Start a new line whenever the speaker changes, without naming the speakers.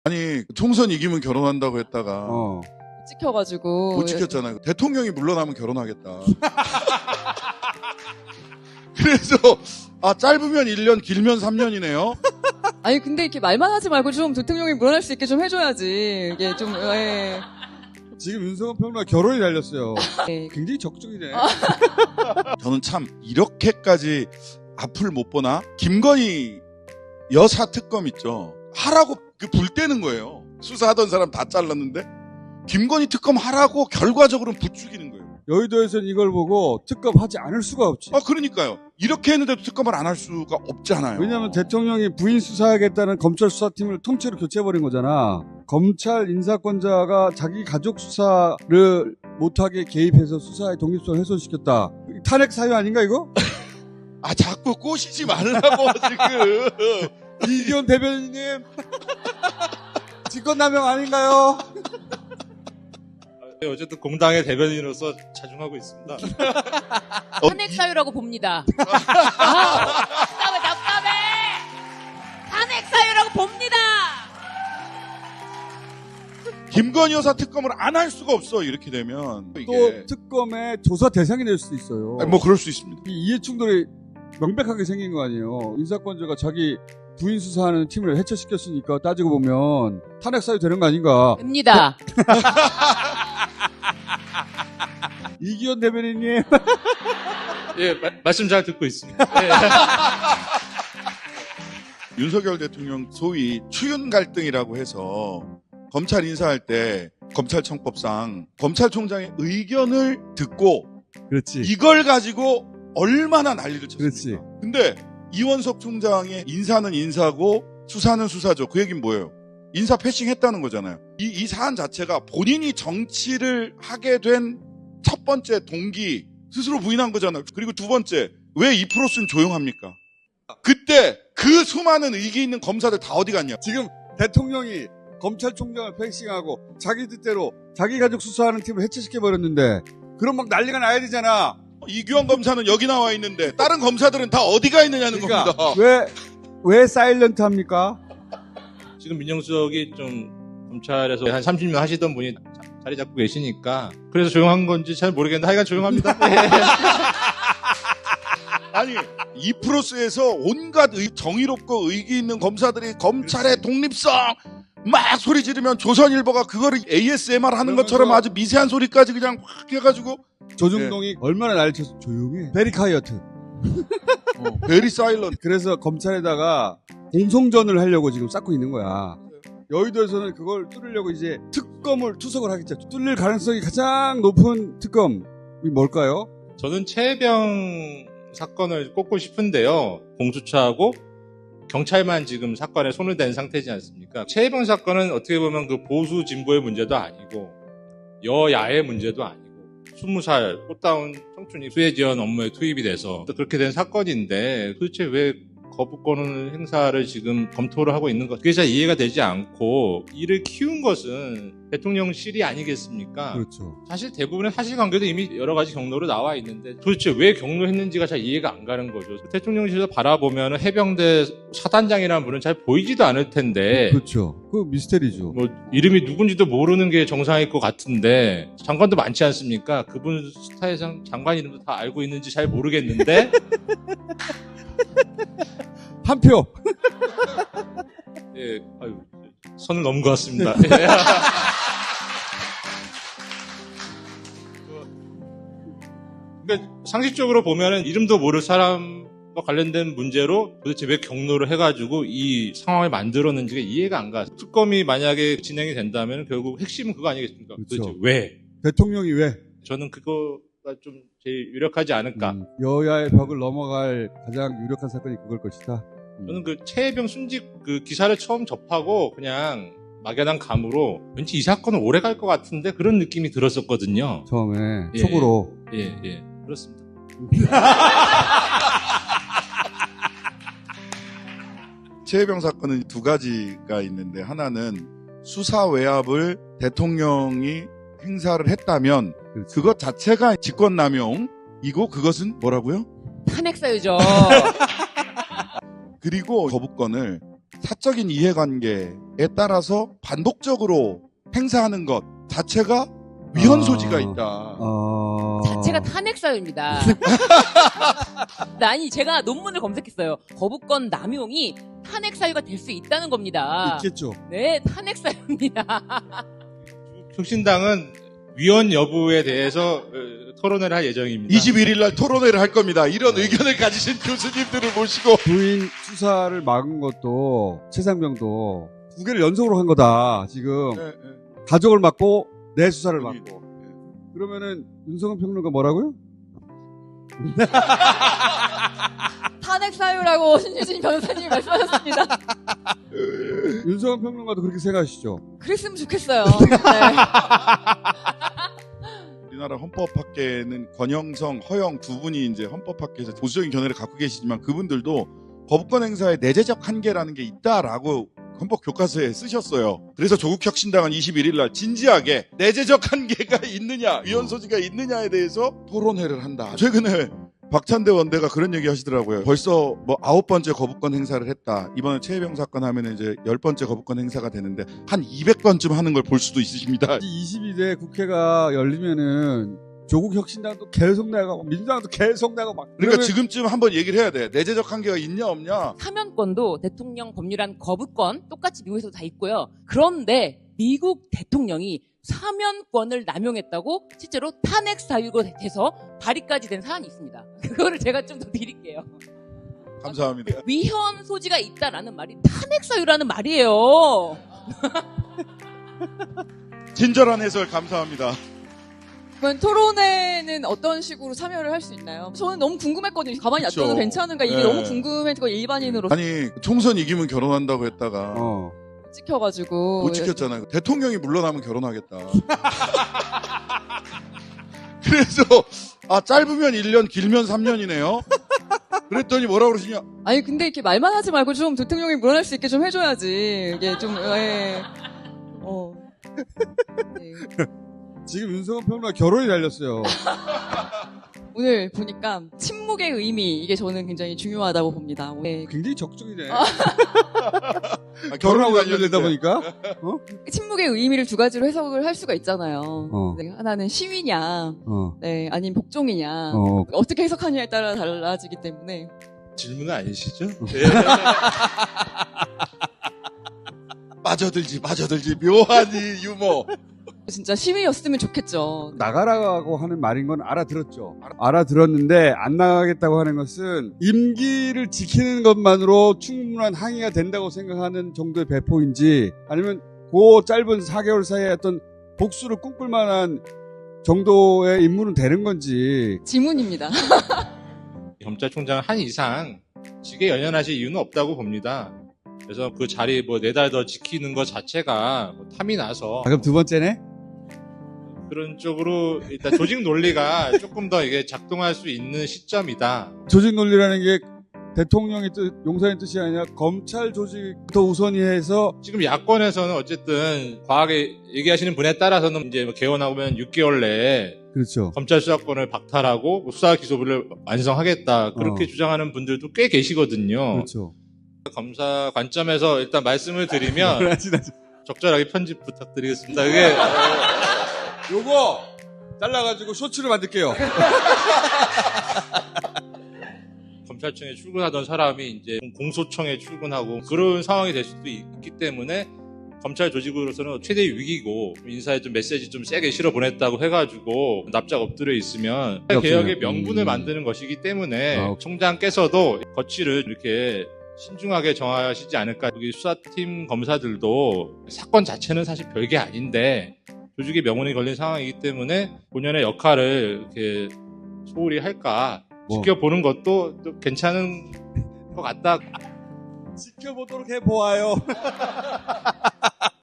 아니 총선 이기면 결혼한다고 했다가
찍혀가지고
못 지켰잖아요. 대통령이 물러나면 결혼하겠다. 그래서 짧으면 1년 길면 3년이네요.
아니 근데 이렇게 말만 하지 말고 좀 대통령이 물러날 수 있게 좀 해줘야지. 이게 좀
지금 윤석열 평론가 결혼이 달렸어요.
네.
굉장히 적극적이네.
저는 참 이렇게까지 앞을 못 보나? 김건희 여사 특검 있죠. 하라고 불 떼는 거예요. 수사하던 사람 다 잘랐는데 김건희 특검 하라고 결과적으로는 부추기는 거예요.
여의도에서는 이걸 보고 특검하지 않을 수가 없지.
그러니까요. 이렇게 했는데도 특검을 안 할 수가 없잖아요.
왜냐하면 대통령이 부인 수사하겠다는 검찰 수사팀을 통째로 교체해버린 거잖아. 검찰 인사권자가 자기 가족 수사를 못하게 개입해서 수사의 독립성을 훼손시켰다. 탄핵 사유 아닌가 이거?
자꾸 꼬시지 말라고 지금.
이기현 대변인님 직권남용 아닌가요?
어쨌든 공당의 대변인으로서 자중하고 있습니다.
탄핵 사유라고 봅니다. 답답해. 탄핵 사유라고 봅니다.
김건희 여사 특검을 안 할 수가 없어. 이렇게 되면
또
이게
특검의 조사 대상이 될 수도 있어요.
뭐 그럴 수 있습니다.
이 이해충돌이 명백하게 생긴 거 아니에요. 인사권자가 자기 부인 수사하는 팀을 해체시켰으니까 따지고 보면 탄핵 사유 되는 거 아닌가.
됩니다.
이기현 대변인님.
예, 말씀 잘 듣고 있습니다. 예.
윤석열 대통령 소위 추윤 갈등이라고 해서 검찰 인사할 때 검찰청법상 검찰총장의 의견을 듣고
그렇지.
이걸 가지고 얼마나 난리를 쳤습니까?
그렇지.
근데 이원석 총장의 인사는 인사고 수사는 수사죠. 그 얘기는 뭐예요? 인사 패싱했다는 거잖아요. 이 사안 자체가 본인이 정치를 하게 된 첫 번째 동기 스스로 부인한 거잖아요. 그리고 두 번째, 왜 이 프로스는 조용합니까? 그때 그 수많은 의기 있는 검사들 다 어디 갔냐?
지금 대통령이 검찰총장을 패싱하고 자기 뜻대로 자기 가족 수사하는 팀을 해체시켜버렸는데 그럼 막 난리가 나야 되잖아.
이규환 검사는 여기 나와 있는데 다른 검사들은 다 어디 가 있느냐는
그러니까
겁니다.
왜 사일런트 합니까?
지금 민정수석이 좀 검찰에서 한 30년 하시던 분이 자리 잡고 계시니까 그래서 조용한 건지 잘 모르겠는데 하여간 조용합니다.
아니 이 프로스에서 온갖 정의롭고 의기 있는 검사들이 검찰의 독립성 막 소리 지르면 조선일보가 그거를 ASMR 하는 것처럼 아주 미세한 소리까지 그냥 확 해가지고
조중동이 얼마나 난리 쳐서 조용해. 베리 카이어트.
베리 사일런트.
그래서 검찰에다가 공송전을 하려고 지금 쌓고 있는 거야. 여의도에서는 그걸 뚫으려고 이제 특검을 투석을 하겠죠. 뚫릴 가능성이 가장 높은 특검이 뭘까요?
저는 최혜병 사건을 꼽고 싶은데요. 공수처하고 경찰만 지금 사건에 손을 댄 상태지 않습니까? 최혜병 사건은 어떻게 보면 그 보수 진보의 문제도 아니고 여야의 문제도 아니고 20살 꽃다운 청춘이 수혜지원 업무에 투입이 돼서 그렇게 된 사건인데 도대체 왜 거부권 행사를 지금 검토를 하고 있는 것, 그게 잘 이해가 되지 않고 이를 키운 것은 대통령실이 아니겠습니까?
그렇죠.
사실 대부분의 사실관계도 이미 여러 가지 경로로 나와 있는데 도대체 왜 경로했는지가 잘 이해가 안 가는 거죠. 대통령실에서 바라보면 해병대 사단장이라는 분은 잘 보이지도 않을 텐데
그렇죠. 그 미스테리죠.
뭐 이름이 누군지도 모르는 게 정상일 것 같은데 장관도 많지 않습니까? 그분 스타일상 장관 이름도 다 알고 있는지 잘 모르겠는데
한 표.
예, 아유, 선을 넘은 것 같습니다. 그러니까 상식적으로 보면은 이름도 모를 사람과 관련된 문제로 도대체 왜 경로를 해가지고 이 상황을 만들었는지가 이해가 안 가. 특검이 만약에 진행이 된다면 결국 핵심은 그거 아니겠습니까?
그렇죠.
도대체 왜?
대통령이 왜?
저는 그거가 좀 제일 유력하지 않을까.
여야의 벽을 넘어갈 가장 유력한 사건이 그걸 것이다.
저는 그 최혜병 순직 그 기사를 처음 접하고 그냥 막연한 감으로 왠지 이 사건은 오래 갈 것 같은데 그런 느낌이 들었었거든요.
처음에
예,
촉으로.
예, 그렇습니다.
최혜병 사건은 두 가지가 있는데 하나는 수사 외압을 대통령이 행사를 했다면
그렇죠.
그것 자체가 직권남용이고 그것은 뭐라고요?
탄핵 사유죠.
그리고 거부권을 사적인 이해관계에 따라서 반복적으로 행사하는 것 자체가 위헌 소지가 있다.
자체가 탄핵 사유입니다. 아니 제가 논문을 검색했어요. 거부권 남용이 탄핵 사유가 될 수 있다는 겁니다.
있겠죠.
네, 탄핵 사유입니다.
혁신당은 위헌 여부에 대해서 토론을 할 예정입니다.
21일 날 토론회를 할 겁니다. 이런 의견을 가지신 교수님들을 모시고.
부인 수사를 막은 것도 최상병도 9개를 연속으로 한 거다. 지금 가족을 막고 내 수사를 막고. 그러면은 윤석열 평론가 뭐라고요?
탄핵 사유라고 신유진 변호사님이 말씀하셨습니다.
윤석열 평론가도 그렇게 생각하시죠?
그랬으면 좋겠어요. 네.
우리나라 헌법학계는 권영성, 허영 두 분이 이제 헌법학계에서 보수적인 견해를 갖고 계시지만 그분들도 거부권 행사에 내재적 한계라는 게 있다라고 헌법 교과서에 쓰셨어요. 그래서 조국혁신당은 21일 날 진지하게 내재적 한계가 있느냐, 위헌 소지가 있느냐에 대해서 토론회를 한다. 최근에 박찬대 원대가 그런 얘기 하시더라고요. 벌써 뭐 9번째 거부권 행사를 했다. 이번에 최혜병 사건 하면 이제 10번째 거부권 행사가 되는데 한 200번쯤 하는 걸 볼 수도 있으십니다.
22대 국회가 열리면은 조국 혁신당도 계속 나가고 민주당도 계속 나가고 막.
그러니까
그러면
지금쯤 한번 얘기를 해야 돼. 내재적 한계가 있냐 없냐.
사면권도 대통령 법률안 거부권 똑같이 미국에서도 다 있고요. 그런데 미국 대통령이 사면권을 남용했다고 실제로 탄핵 사유가 돼서 발의까지 된 사안이 있습니다. 그거를 제가 좀 더 드릴게요.
감사합니다.
위헌 소지가 있다라는 말이 탄핵 사유라는 말이에요.
친절한 해설 감사합니다.
그러면 토론회는 어떤 식으로 참여를 할 수 있나요? 저는 너무 궁금했거든요. 가만히
그쵸.
놔둬도 괜찮은가 이게
네.
너무 궁금했고 일반인으로
아니 총선 이기면 결혼한다고 했다가
찍혀가지고
못 지켰잖아요. 대통령이 물러나면 결혼하겠다. 그래서 짧으면 1년 길면 3년이네요. 그랬더니 뭐라고 그러시냐.
아니 근데 이렇게 말만 하지 말고 좀 대통령이 물러날 수 있게 좀 해줘야지. 이게 좀 네.
지금 윤석열 평론가 결혼이 달렸어요.
오늘 보니까 침묵의 의미 이게 저는 굉장히 중요하다고 봅니다. 네.
굉장히 적중이네.
결혼하고
결혼하고 연결되다 보니까.
침묵의 의미를 두 가지로 해석을 할 수가 있잖아요. 네, 하나는 시위냐, 네, 아니면 복종이냐, 어떻게 해석하냐에 따라 달라지기 때문에.
질문은 아니시죠?
빠져들지 묘한 이 유머.
진짜 시위였으면 좋겠죠.
나가라고 하는 말인 건 알아들었죠. 알아들었는데 안 나가겠다고 하는 것은 임기를 지키는 것만으로 충분한 항의가 된다고 생각하는 정도의 배포인지 아니면 그 짧은 4개월 사이에 어떤 복수를 꿈꿀 만한 정도의 임무는 되는 건지.
지문입니다.
검찰총장은 한 이상 직에 연연하실 이유는 없다고 봅니다. 그래서 그 자리 뭐 4달 더 지키는 것 자체가 탐이 나서
그럼 두 번째네?
그런 쪽으로 일단 조직 논리가 조금 더 이게 작동할 수 있는 시점이다.
조직 논리라는 게 대통령의 뜻, 용사의 뜻이 아니라 검찰 조직부터 우선이 해서
지금 야권에서는 어쨌든 과하게 얘기하시는 분에 따라서는 이제 개헌하면 6개월 내에
그렇죠.
검찰 수사권을 박탈하고 수사 기소부를 완성하겠다. 그렇게 주장하는 분들도 꽤 계시거든요.
그렇죠.
검사 관점에서 일단 말씀을 드리면 적절하게 편집 부탁드리겠습니다. 그게
요거 잘라가지고 쇼츠를 만들게요.
검찰청에 출근하던 사람이 이제 공소청에 출근하고 그런 상황이 될 수도 있기 때문에 검찰 조직으로서는 최대 위기고 인사에 좀 메시지 좀 세게 실어 보냈다고 해가지고 납작 엎드려 있으면 개혁의 명분을 만드는 것이기 때문에 총장께서도 거취를 이렇게 신중하게 정하시지 않을까. 여기 수사팀 검사들도 사건 자체는 사실 별게 아닌데 조직의 명분이 걸린 상황이기 때문에 본연의 역할을 이렇게 소홀히 할까 지켜보는 것도 또 괜찮은 것 같다.
지켜보도록 해보아요.